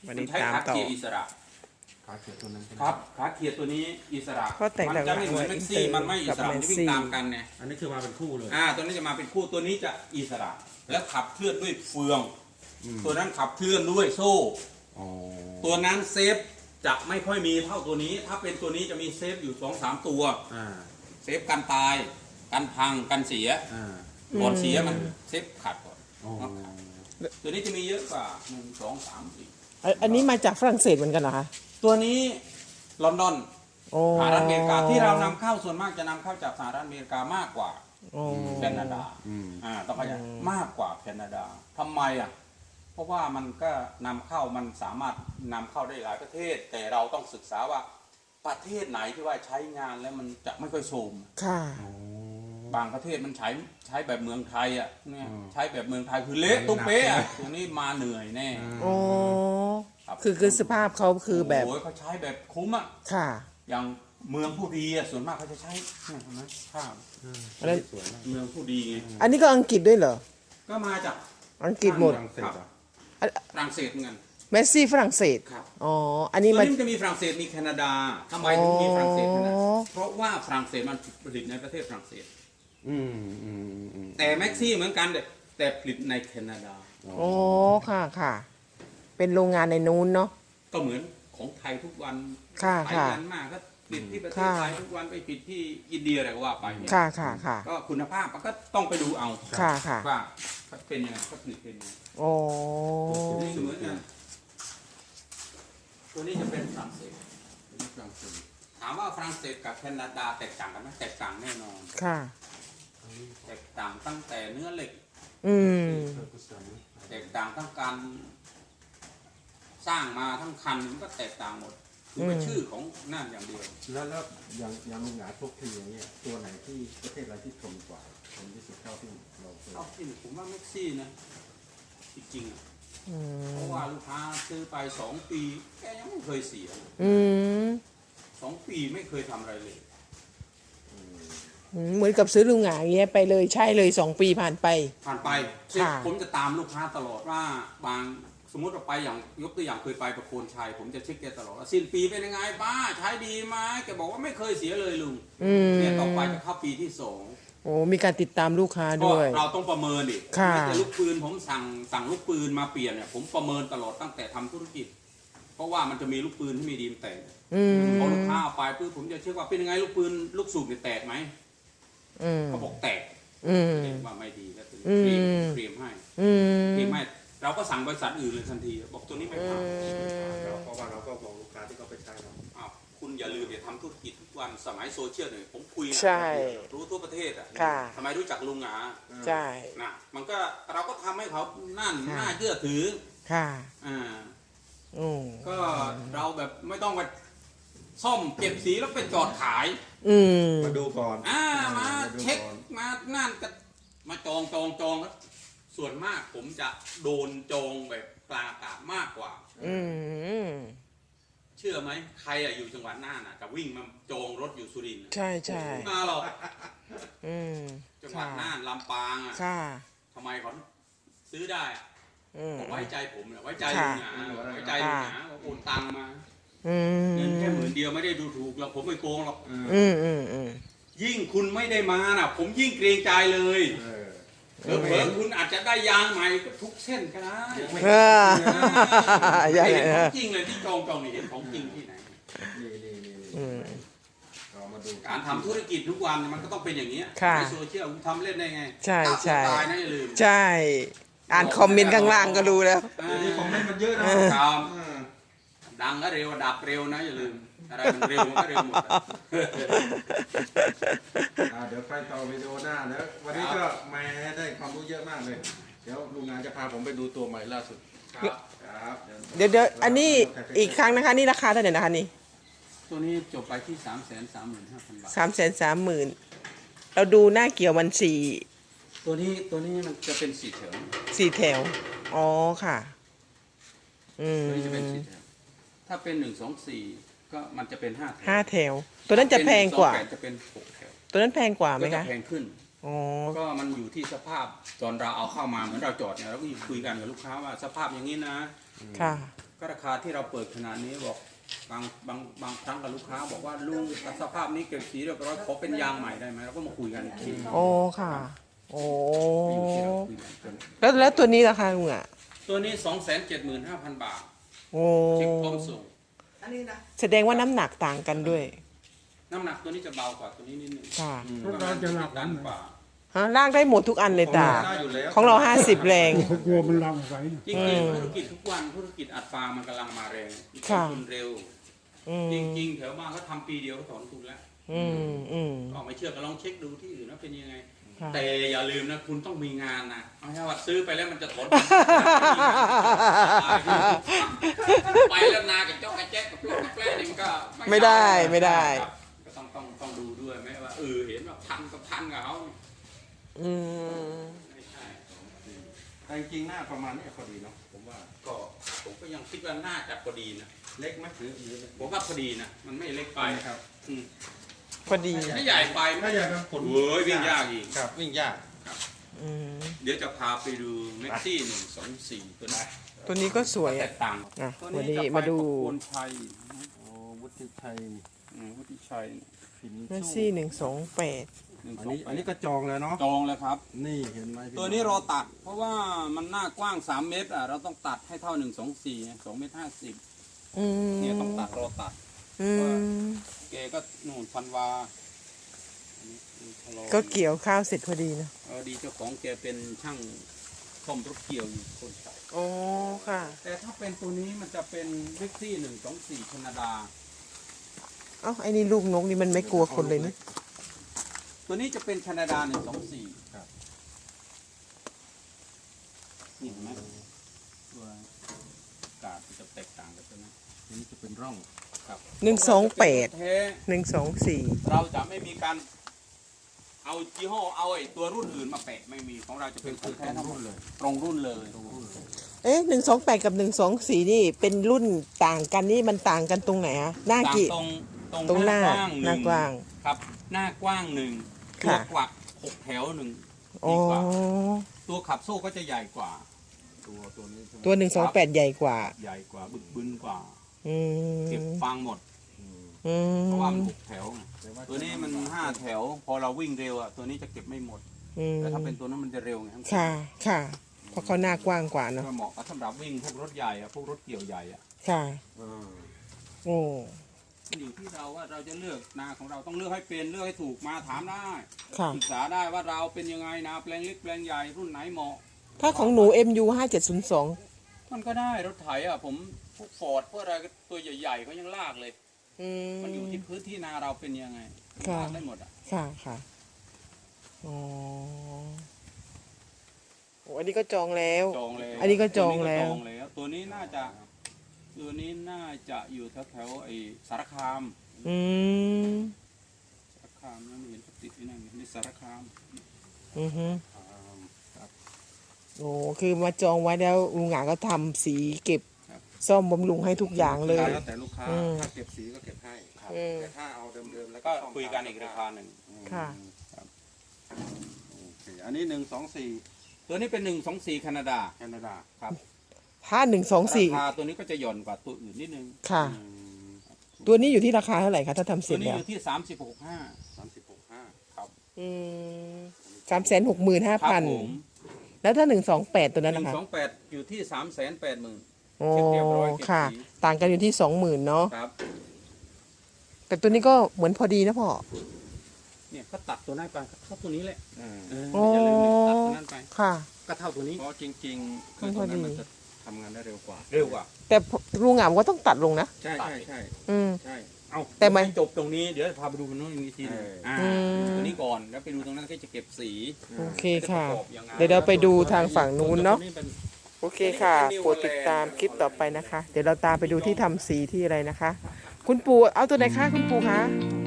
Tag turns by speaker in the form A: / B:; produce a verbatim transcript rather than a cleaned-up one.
A: วันนี้
B: ใช้
A: ตาม
B: ขา
A: ต่อ
B: เกียร์อิสระ
C: ขาเขียดตัวนั้น
B: ครับขาเกียร์ตัวนี้อิสระ
A: ข้อแตกต่าง
B: จะไม่เหมือนแม็กซี่
A: ระหว่าง
B: มันไม่อิสระ
A: กับ
B: จะวิ่ง
A: Maxi
B: ตามกันไง
C: อันนี้คือมาเป็นคู่เลย
B: อ่าตัวนี้จะมาเป็นคู่ตัวนี้จะอิสระ และขับเคลื่อนด้วยเฟือง ตัวนั้นขับเคลื่อนด้วยโซ่
C: อ๋อ
B: ตัวนั้นเซฟจะไม่ค่อยมีเท่าตัวนี้ ถ้าเป็นตัวนี้จะมีเซฟอยู่สองสามตัว
C: อ่า
B: เซฟกันตายกันพังกันเสีย
C: อ่า
B: ก่อนเสียมันเซฟขาดก่อน
C: อ๋อ
B: ตัวนี้จะมีเยอะกว่าหนึ่งสองสามสี่
A: อันอันนี้มาจากฝรั่งเศสเหมือนกันเหรอคะ
B: ตัวนี้ลอนดอน
A: โอ้
B: สหรัฐอเมริกาที่เรานำเข้าส่วนมากจะนำเข้าจากสหรัฐอเมริกามากกว่า
A: โอ้
B: แคนาดา
C: อืม
B: อ่าต้องเข้าใจมากกว่าแคนาดาทำไมอ่ะเพราะว่ามันก็นำเข้ามันสามารถนำเข้าได้หลายประเทศ แต่เราต้องศึกษาว่าประเทศไหนที่ว่าใช้งานแล้วมันจะไม่ค่อยโทรม
A: ค่ะ
C: อ๋อ
B: บางประเทศมันใช้ใช้แบบเมืองไทยอ่ะเนี่ย
C: อืม
B: ใช้แบบเมืองไทยคือเละตุ้มเป๊ะอ่ะตัวนี้มาเหนื่อยแน่
A: โอ้
B: ครับ
A: คือคือสภาพเขาคือแบบ
B: โอ้ยเขาใช้แบบคุ้มอ่ะ
A: ค่ะ
B: อย่างเมืองผู้ดีอ่ะส่วนมากเขาจะใช้เนี่ยเห็นไหมข้าว
A: อันนั้น
C: สวยมาก
B: เมืองผู้ดีไง
A: อันนี้ก็อังกฤษด้วยเหรอ
B: ก็มาจาก
A: อังกฤษหมด
C: ฝรั่งเศสเหรอ
B: ฝรั่งเศสเหมือนกัน
A: เมสซี่ฝรั่งเศส
B: ครับ
A: อ๋อ อัน
B: ตั
A: นี้
B: ว
A: มัน
B: นี้มันจะมีฝรั่งเศสมีแคนาดาทำไมถึงมีฝรั่งเศสขนาด
A: อ๋อ
B: เพราะว่าฝรั่งเศสมันผลิตในประเทศฝรั่งเศส
C: อืมอืมอืมอืม
B: แต่แม็กซี่เหมือนกันแต่แต่ผลิตในแคนาดา
A: โอ้ ค่ะค่ะ เป็นโรงงานในนู้นเนาะ
B: ก็เหมือนของไทยทุกวัน
A: ค่ะ
B: ไป
A: ค่ะ
B: กันมากก็ผลิตที่ประเทศ
A: ค่ะ
B: ไทยทุกวันไปผลิตที่อินเดียอะไรก็ว่าไปเนี่ย
A: ค่ะค่ะค่ะ
B: ก็คุณภาพมันก็ต้องไปดูเอา
A: ค่ะค่ะ
B: ว่าเขาเป็นยังไงเขาผลิตเป็นยังไง
A: โอ้
B: ตัวนี้เหมือนกันตัวนี้จะเป็นฝรั่งเศสตัวนี้ฝรั่งเศสถามว่าฝรั่งเศสกับแคนาดาแตกต่างกันไหมแตกต่างแน่นอน
A: ค่ะ
B: แตกต่างตั้งแต่เนื้อเหล็ก
A: อืม
B: แตกต่างทั้งการสร้างมาทั้งคันมันก็แตกต่างหมดคือเป็น
A: อืม
B: ชื่อของนั่นอย่างเดียว
C: แล้วแล้วอย่างอย่างลุงหงาทุกทีอย่างเงี้ยตัวไหนที่ประเทศอะไรที่ทนกว่าทนที่สุดเท่าที่เราเคย
B: เอาจริงผมว่าแม็กซี่นะจริงๆอะ
A: อืม
B: เพราะว่าลูกค้าซื้อไปสองปีแกยังไม่เคยเสีย
A: อืม
B: สองปีไม่เคยทำอะไรเลย
A: อืมเหมือนกับซื้อลุงหงาอย่างเงี้ยไปเลยใช่เลยสองปีผ่านไป
B: ผ่านไป
A: ค่ะ
B: ผมจะตามลูกค้าตลอดว่าบางสมมติเราไปอย่างยกตัวอย่างเคยไปประโคนชัยผมจะเช็คแกตลอดว่าสิ้นปีเป็นยังไงป้าใช้ดีไหมแกบอกว่าไม่เคยเสียเลยลุง
A: อืม
B: เนี่ยต่อไปจะเข้าปีที่สอง
A: โอ้มีการติดตามลูกค้า
B: ก็
A: ด้วย
B: เราต้องประเมินดิ
A: ค่ะ
B: ไม่ใช่ลูกปืนผมสั่งสั่งลูกปืนมาเปลี่ยนเนี่ยผมประเมินตลอดตั้งแต่ทำธุรกิจ เพราะว่ามันจะมีลูกปืนที่มีดีมแต่ง
A: อืม
B: พอลูกค้าเอาไปปุ๊บผมจะเช็คว่าเป็นยังไงลูกปืนลูกสูบเนี่ยแตกไหม
A: อืม
B: เขาบอกแตก
A: อืม
B: เรียกว่าไม่ดีแล้วถึง
A: อืม
B: เคลมเคลมให้
A: อืม
B: เคลมให้เราก็สั่งบริษัทอื่นเลยทันทีบอกตัวนี้ไม่ผ่าน
C: เราเพราะว่าเราก็บอกลูกค้าที่เขาไปใช้เรา
B: อ้าวคุณอย่าลืมอย่าทำธุรกิจทุกวันสมัยโซเชียลเนี่ยผมคุยนะ
A: ใช่
B: รู้ทั่วประเทศอ่ะ
A: ค่ะ
B: ทำไมรู้จักลุงหงา
A: ใช่
B: นะมันก็เราก็ทำให้เขานั่น
A: ค่ะ
B: น่าเชื่อถือ
A: ค่ะ
B: อ่า
A: อืม
B: ก็เราแบบไม่ต้องมาซ่อมเก็บสีแล้วไปจอดขาย
A: อืม
C: มาดูก่อน
B: อ่ามา
C: ดู
B: เช็ค
C: ก่อน
B: มานั่นก็มาจองจองจองแล้วส่วนมากผมจะโดนจองแบบกลางอากาศมากกว่า
A: อืม
B: เชื่อไหมใครอะอยู่จังหวัดน่านอะจะวิ่งมาจองรถอยู่สุรินทร์อะ
A: ใช่ใช่
B: มาหรอก
A: อืม
B: จังหวัด
A: ค่ะ
B: น่านลำปางอะ
A: ค่ะ
B: ทำไมเขาซื้อได้อะ
A: อืม
B: ผมไว้ใจผมเนี่ยไว้ใจ
A: ค่ะ
B: ลุงหนาไว้ใจลุงหนาว่าโอนตังค์มา
A: อืม
B: เงินแค่หมื่นเดียวไม่ได้ดูถูกหรอกผมไม่โกงหรอก
A: อืมอืมอืม
B: ยิ่งคุณไม่ได้มาน่ะ ผมยิ่งเกรงใจเลย
C: เออ
B: เผลอๆคุณอาจจะได้ยางใหม่ก็ทุกเส้นก็ได้
A: เออ ใช่
B: เห็น
A: เอ
B: ขอ
A: อง
B: จริงเลยที่จองจองนี่เห็นของจริงที่ไหน
C: นี่นี่นี่นี่
A: อืม
C: เรามาดู
B: การทำธุรกิจทุกวันมันก็ต้องเป็นอย่างนี้ย
A: ค่ะ
B: ในโซเชียลคุณทำเล่นได้ไง
A: ใช่
B: ฆ่าตัว
A: ใช่
B: ตายนะอย่าลืม
A: ใช่ อ่านคอมเมนต์ข้างล่างก็รู้แล้ว
B: อ่า
C: เดี๋ยวนี้คอมเมนต์มันเยอะนะ
B: ครับ
C: เออ
B: ดังก็เร็วดับเร็วนะอย่าลืมอะไรมันเร็วมันก็เร็วหมดอะ
C: อ่าเดี๋ยวไปต่อวิดีโอหน้าแล้ววันนี้ก็แหม่ได้ความรู้เยอะมากเลย เดี๋ยวลุงงานจะพาผมไปดูตัวใหม่ล่าสุด
B: ครับ
C: ครับ
A: เดี๋ยวเดี๋ยวอันนี้อีกครั้งนะคะ นี่ราคาเท่าไหร่นะคะนี่
B: ตัวนี้จบไปที่สามแสนสามหมื่นห้าพันบาท
A: สามแสนสามหมื่นเราดูหน้าเกี่ยวมันสี่
B: ตัวนี้ตัวนี้มันจะเป็นสีแถว
A: สี่แถว อ๋อค่ะ อืม
B: ตัวนี้จะเป็นสีแถวถ้าเป็นหนึ่งสองสี่ก็มันจะเป็นห้าแถว
A: ห้าแถว ตัวนั้นจะแพงกว่า
B: ถ้เป็นหนึ่งสองแปดจะเป็นหกแถว
A: ตัวนั้นแพงกว่าไหม
B: ก็จะ
A: คะ
B: แพงขึ้น
A: อ๋อ
B: ก็มันอยู่ที่สภาพตอนเราเอาเข้ามาเหมือนเราจอดเนี่ยเราก็คุยกันกับลูกค้าว่าสภาพอย่างนี้นะ
A: ค่ะ
B: กก็ราคาที่เราเปิดขนาดนี้บอกบางบางบางครั้งกับลูกค้า บอกว่าลุงสภาพนี้เก็บสีเรียบร้อยขอเป็นยางใหม่ได้ไหมเราก็มาคุยกันอีกที
A: โอ้ค่ะ โอ้
B: อยู่ที่เราคุยกัน
A: แล้วแล้วตัวนี้ราคาลุงอ่ะ
B: ตัวนี้สองแสนเจ็ดหมื่นห้าพันบาท
A: โอ้
B: เช็คพร้อมส่ง
D: อันนี้นะ
A: แสดงว่าน้ำหนักต่างกันด้วย
B: น้ำหนักตัวนี้จะเบากว่าตัวนี้นิดนึง
A: ค่ะ
C: รถเราจะหนัก
B: ดันกว่า
A: ฮะลากได้หมดทุกอันเลยตา
C: ได้อยู่แล้ว
A: ของเราห้าสิบแรง
E: เขากลัวมันลังไว้
B: จริงๆธุรกิจทุกวันธุรกิจอัดฟางมันกำลังมาแรง
A: ค่ะ
B: ทุนเร็ว
A: อืม
B: จริงๆแถวบ้านเขาทำปีเดียวก็ถอนทุนแล้ว
A: อืมอืม
B: ก็ไม่เชื่อก็ลองเช็คดูที่อื่นว่าเป็นยังไง
A: ค่ะ
B: แต่อย่าลืมนะคุณต้องมีงานนะไม่ใช่ว่าซื้อไปแล้วมันจะถอน ไปแล้วนากับเจ้ากระแจ๊กกับพวกกับแปล้นี่มันก็
A: ไม่ได้ไม่ได้
B: ครับก็ต้องต้องต้องดูด้วยไหมว่าเออเห็นว่าพันกับพันกับเขา
A: อืม
B: ไม่ใช่
C: แต่จริงๆหน้าประมาณนี้พอดีเนาะผมว่า
B: ก็ผมก็ยังคิดว่าน่าจะพอดีนะ
C: เล็กไหมหรือหรือ
B: ผมว่าพอดีนะมันไม่เล็กไป
C: ครับ
B: อืม
A: พอดี
B: ถ้าใหญ่ไป
C: ถ้าอยากจะขน
B: เว้ยวิ่งยากอีก
C: ครับวิ่งยาก
A: อืม
B: เดี๋ยวจะพาไปดูแม็กซี่หนึ่งสองสี่ตัวนี้
A: ตัวนี้ก็สวย
B: แต
A: อ่ะ
B: กต่าง
A: อ่ะ
B: ตัว
A: วัน
B: นี้
A: นี้
B: จะไป
A: มาดู
B: ประโคนชัย
C: โอ้วุฒิชัย
B: อืมวุฒิชัย
C: ฟิน
A: เมสซี่หนึ่งสองแปด
B: หนึ่ง
C: อัน
B: สอง
C: นี้
B: แปด
C: อันนี้ก็จองแล้วเนาะ
B: จองแล้วครับ
C: นี่เห็นไหมพี่
B: ตัวนี้เราตัด เพราะว่ามันหน้ากว้างสามเมตรอ่ะเราต้องตัดให้เท่าหนึ่งสองสี่สองเมตรห้าสิบ
A: อืม
B: เนี่ยต้องตัดเราตัด
A: อืม
B: เกก็นู่นพันวาอันนี้คือชะลอ
A: ก็เกี่ยวข้าวเสร็จพอดีนะ
B: เออดีเจ้าของแกเป็นช่างซ่อมรถเกี่ยวอยู่คนใส่
A: โอ้ค่ะ
B: แต่ถ้าเป็นตัวนี้มันจะเป็นวิกซี่หนึ่งสองสี่แคนาดา
A: เอ้าไอ้นี่ลูกนกนี่มันไม่กลัวคนเลยนี่
B: ตัวนี้จะเป็นแคนาดาหนึ่งสองสี่นี่เห็นไหมตัวกาดจะแตกต่างกันใช่ไหม
C: อันนี้จะเป็นร่อง
B: ครับ
A: หนึ่งสองแปด
B: แท้
A: หนึ่งสองสี่
B: เราจะไม่มีการเอายี่ห้อเอาไอ้ตัวรุ่นอื่นมาแปะไม่มีของเราจะเป็นของแท้ทั้งหมดเลยตรงรุ่นเลย
A: เอ๊ะหนึ่งสองแปดกับหนึ่งสองสี่นี่เป็นรุ่นต่างกันนี่มันต่างกันตรงไหนอะหน้า
B: ต่าง
A: กี่
B: ตรงตรง
A: ตรงหน้า
B: ห
A: หน้ากว้าง
B: ครับ หน้ากว้างหนึ่งตัว
A: ค่ะ
B: กวักหกแถวหนึ่ง
A: อ๋อ
B: ดีกว่าตัวขับโซ่ก็จะใหญ่กว่า
C: ตัวตัวนี้ใช่ไหม
A: ตัวหนึ่งสองแปดใหญ่กว่า
B: ใหญ่กว่าบึกบึนกว่า
A: อืม
B: เก็บฟางหมด
C: อืม
A: อื
B: เพราะว่ามัน
A: ม
B: หกแถวไง
C: แต่า
B: ตัวนี้มันห้าแถว พอเราวิ่งเร็วอ่ะตัวนี้จะเก็บไม่หมด
A: อืม
B: แต่ถ้าเป็นตัวนั้นมันจะเร็วไงทั้ง
A: ค่ะค่ะ เพราะเขาหน้ากว้างกว่าเนอะ
B: ก็เหมาะกับสำหรับวิ่งพวกรถใหญ่อะพวกรถเกี่ยวใหญ่อะ
A: ค่ะ
C: อ่า
A: โอ้
B: อยู่ที่เราว่าเราจะเลือกนาของเราต้องเลือกให้เป็นเลือกให้ถูกมาถามได้
A: ค่ะ
B: ศึกษาได้ว่าเราเป็นยังไงนาแปลงเล็กแปลงใหญ่รุ่นไหนเหมาะ
A: ถ้าของหนู เอ็ม ยู ห้าเจ็ดศูนย์สอง
B: มันก็ได้รถไถอ่ะผมพวกฟอร์ดพวกอะไรก็ตัวใหญ่ๆก็ยังลากเลย
A: อืม
B: มันอยู่ที่พื้นที่นาเราเป็นยังไง
A: ค่ะ
B: ลากได้หมดอ่ะ
A: ค่ะค่ะอ๋อโอ้อันนี้ก็จองแล้ว
B: จองเลย
A: อันนี้ก็จองแล้ว
B: ตัวนี้ก็จองแล้วตัวนี้น่าจะตัวนี้น่าจะอยู่แถวๆไอ้สารคาม
A: อืม
B: สารคามนั่นเห็นเขาติดที่นั่นนี่สารคาม
A: อือฮึ
C: อ่าครับ
A: โอ้คือมาจองไว้แล้วลุงหงาก็ทำสีเก็บ ซ่อมบำรุงให้ทุกอย่างเลย
C: แล้วแต่ลูกค้า
A: อืม
C: ถ้าเก็บสีก็เก็บให้
A: อืม
C: แต่ถ้าเอาเดิมๆแล้ว
B: ก็
C: ซ่อม
B: คุยกันอีกราคาหนึ่ง
C: อืม
A: ค่ะ
C: ครับโอเคอันนี้หนึ่งสองสี่
B: ตัวนี้เป็นหนึ่งสองสี่แคนาดา
C: แคนาดา
B: ครับ
A: ถ้าหนึ่งสองสี่
B: ราคาตัวนี้ก็จะหย่อนกว่าตัวอื่นนิดนึง
A: ค่ะ
C: อืม
A: ตัวนี้อยู่ที่ราคาเท่าไหร่คะถ้าทำเส
B: ตั
A: ร็
B: ว
A: จ
B: นี้
A: แล้
B: อ
A: ว
B: ยู่ที่สามสิบหกห้า
C: สามสิบหกห้า
B: ครับ
A: อืมสามแสนหกหมื่นห้า
B: ครับ
A: พัน
B: ผม
A: แล้วถ้าหนึ่งสองแปดตัว
B: ห
A: นั้น
B: นึ่
A: นะ
B: ง
A: คะ
B: สองแปดอยู่ที่สามแสนแปดหมื่น
A: โอ้
B: เช็คเรียบร้อยเก็บ
A: ค่ะ
B: สี
A: ต่างกันอยู่ที่สองหมื่นเนาะ
B: ครับ
A: แต่ตัวนี้ก็เหมือนพอดีนะพ่อ
B: เนี่ยก็ตัดตัวนั้นไปก็เท่าตัวนี้แหละ
C: อ่า
B: เออ
A: โอ้
B: อย่าลืมเนี่ยตัดตัวนั้นไป
A: ค่ะ
B: ก็เท่าตัวนี้
C: เพราะจริงๆคือตัวนั้นมันจะทำงานได้เร็วกว่า
B: เร็วกว่า
A: แต่ลุงหงามก็ต้องตัดลงนะ
C: ใช่ใช่ใช่
A: อืม
C: ใช่
B: เอา
A: แต่มัน
B: จบตรงนี้เดี๋ยวพาไปดูมันนู้นอีกทีหนึง
C: เอออ่
B: อ่า
A: อืม
B: ตัวนี้ก่อนแล้วไปดูตรงนั้นก็จะเก็บสี
A: โอเคค่ะ
B: จประกอบยังไง
A: เดี๋ยวเราไปดูทางฝั่งนู้นเนาะ
B: ตัวเป็น
A: โอเคค่ะโปรดติดตามคลิปต่อไปนะคะ เดี๋ยวเราตามไปดูที่ทำสีที่อะไรนะคะ คุณปู่เอาตัวไหนคะคุณปู่คะ
B: ต